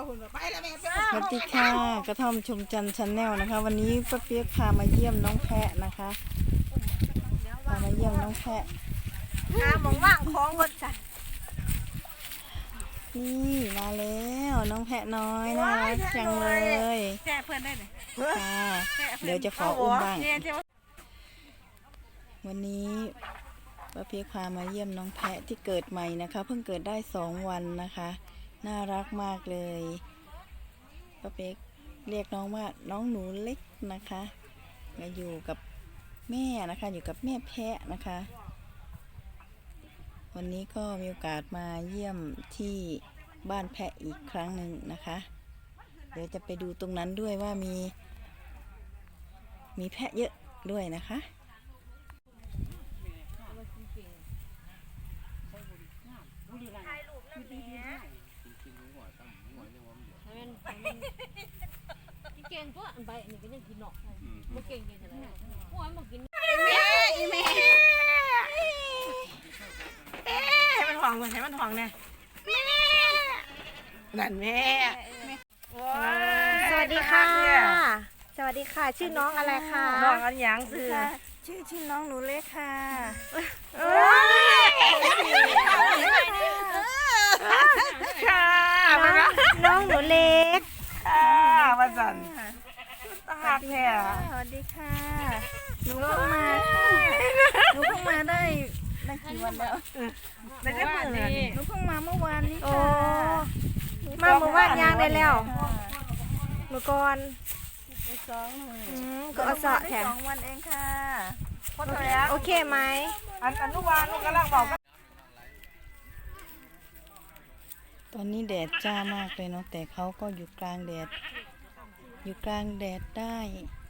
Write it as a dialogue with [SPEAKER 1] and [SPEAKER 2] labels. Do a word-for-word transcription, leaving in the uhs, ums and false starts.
[SPEAKER 1] สวัสดีค่ะกระท่อมชมจันทร์ชาแนลนะคะ วันนี้ป้าเปี๊ยกพามาเยี่ยมน้องแพะนะคะพามาเยี่ยมน้องแพะ
[SPEAKER 2] หาหมองว่างของบนจัน
[SPEAKER 1] นี่มาแล้วน้องแพะน้อยน่ารักจังเลย
[SPEAKER 2] แค่เพื่อนได้ไหม
[SPEAKER 1] ค่ะเดี๋ยวจะขออุ้มบ้างวันนี้ป้าเปี๊ยกพามาเยี่ยมน้องแพะที่เกิดใหม่นะคะเพิ่งเกิดได้สองวันนะคะน่ารักมากเลยป้าเปี๊ยกเรียกน้องว่าน้องหนูเล็กนะคะมาอยู่กับแม่นะคะอยู่กับแม่แพะนะคะวันนี้ก็มีโอกาสมาเยี่ยมที่บ้านแพะอีกครั้งหนึ่งนะคะเดี๋ยวจะไปดูตรงนั้นด้วยว่ามีมีแพะเยอะด้วยนะคะ
[SPEAKER 3] เก่งตัวอันใบอันนี้ก็ยังกินเนาะมันเก่งยังไงล่ะหัวมันกิน
[SPEAKER 2] แม่อีแม่เอ๊ะมันห่วงมันให้มันห่วงเนี่ยแม่นั่นแม่สวัสดีค่ะสวัสดีค่ะชื่อน้องอะไรคะน้องอันหยางชื่อ
[SPEAKER 1] ชื่อชื่อน้องหนูเล็กค่ะ
[SPEAKER 2] ค่ะ
[SPEAKER 3] น้องหนูเล็ก
[SPEAKER 2] ค่ะมาสั่นตาแค่
[SPEAKER 1] สวัสดีค่ะหนูเพิ่งมาหนูเพิ่งมาได้ได้กี่วันแล้ว
[SPEAKER 2] ไม่ได้เมื่อนี้
[SPEAKER 1] หนูเพิ่งมาเมื่อวานนี้
[SPEAKER 3] โอ้
[SPEAKER 1] ค่ะ
[SPEAKER 3] มาเมื่อวานย่างได้แล้วเมื่อก่อน
[SPEAKER 1] สอง
[SPEAKER 3] ก็เอาสะแถม
[SPEAKER 1] สองวันเองค่ะ
[SPEAKER 3] โอเคไหม
[SPEAKER 2] อันอันลูกวานลูกกำลังบอก
[SPEAKER 1] ตอนนี้แดดจ้ามากเลยเนาะแต่เขาก็อยู่กลางแดดอยู่กลางแดดได้